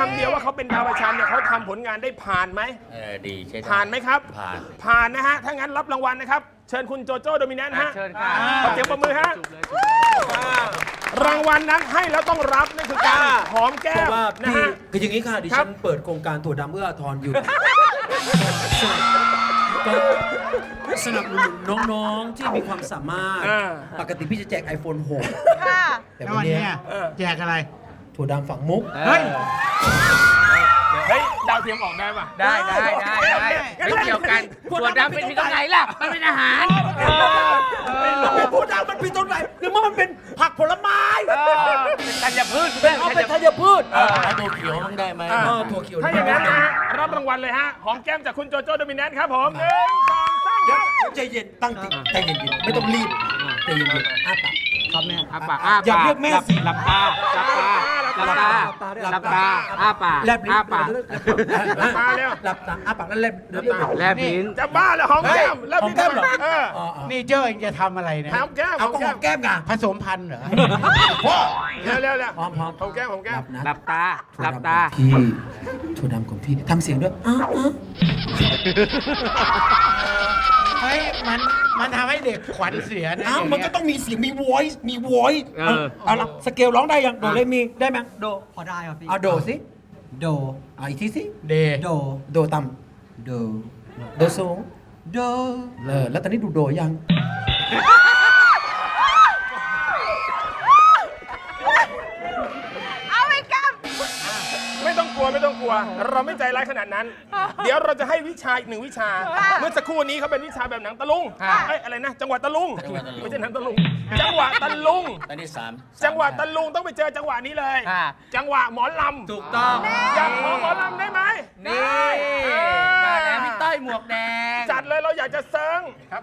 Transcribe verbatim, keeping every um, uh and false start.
ำเดียวว่าเขาเป็นดาวประชันเนี่ยเขาทำผลงานได้ผ่านไหมเออดีใช่ได้ผ่านไหมครับผ่านผ่านนะฮะถ้างั้นรับรางวัลนะครับเชิญคุณโจโจ้โดมิแนนต์ฮะเชิญค่ะขอเสียงปรบมือฮะรางวัลนั้นให้แล้วต้องรับนั่นคือการหอมแก้เพมราะว่านะพี่ฮะคืออย่างนี้ค่ะดิครัฉับนเปิดโครงการถั่วดำเอื้ออาทรอยู่ก็สนับสนุนน้องๆที่มีความสามารถอ่าปกติพี่จะแจก ไอโฟน หกค่ะแต่แล้ววัวัน นเนี้นี้ยแจกอะไรถั่วดำฝังมุกเฮ้ยเฮ้ยดาวเทียมออกได้ป่ะได้ได้ได้ได้ไม่เกี่ยวกันถั่วดำเป็นมีตรงไหนล่ะ มันเป็นอาหารมันเป็นถั่วดำมันเป็นต้นไหนหรือว่ามันเป็นผักผลไม้เป็นธัญพืชเพื่อนเอาเป็นธัญพืชเอาตัวเขียวต้องได้ไหมอ่าเออถั่วเขียวถ้าอย่างนั้นนะฮะรับรางวัลเลยฮะหอมแก้มจากคุณโจโจ้โดมิแนนต์ครับผมหนึ่งสองสามคเดี๋ยวรับใจเย็นตั้งจิตใจเย็นๆไม่ต้องรีบใจเย็นๆอ้าปากครับแม่อ้าปากอ้าปากอย่าเรียกแม่สิหลับตาหลับตาหลับตาหลับตาอ้าปากแลบลิ้นอ้าปากตาเร็วหลับตาอ้าปากแล้วแลบเดี๋ยวเดี๋ยวแลบลิ้นจะบ้าแล้วหอมแก้มแล้วหอมแก้มเหรอเอออ๋ออ๋อนี่เจ้าเองจะทำอะไรเนี่ยหอมแก้มเอาก็หอมแก้มไงผสมพันธุ์เหรอพ่อเร็วเร็วเร็วหอมหอมหอมแก้มหอมแก้มนะหลับตาหลับตาพี่ถั่วดำของพี่ทำเสียงด้วยอ้าวอ้าวเฮ้ย มัน มันทำให้เด็กขวัญเสียนะอ้าวย่างมันเงี้ก็ยต้องมีเสียงมี voice มี voice เออเอาละสเกลร้องได้ยังโดเรมีได้ไหมโดพอได้ครับพี่เอาโดสิโดเอาอีกทีสิเดโดโดต่โดำโดสูงโดเออแล้วตอนนี้ดูโดยังเอาไปกับไม่ต้องกลัวไม่ต้องกลัว เราไม่ใจร้ายขนาดนั้น เดี๋ยวเราจะให้วิชาอีกหนึ่งวิชา เมื่อสักครู่นี้เขาเป็นวิชาแบบหนังตะลุงค่ะเอ้ยอะไรนะ จังหวะตะลุงจังหวะตะลุงไม่ใช่หนังตะลุง จังหวะตะลุงตอนที่สามจังหวะตะลุงต้องไปเจอจังหวะนี้เลยค่ะจังหวะหมอลำถูกต้องอยากขอหมอลำได้ไหมนี่เออมาแล้วพี่ต้อยหมวกแดงจัดเลยเราอยากจะเซิง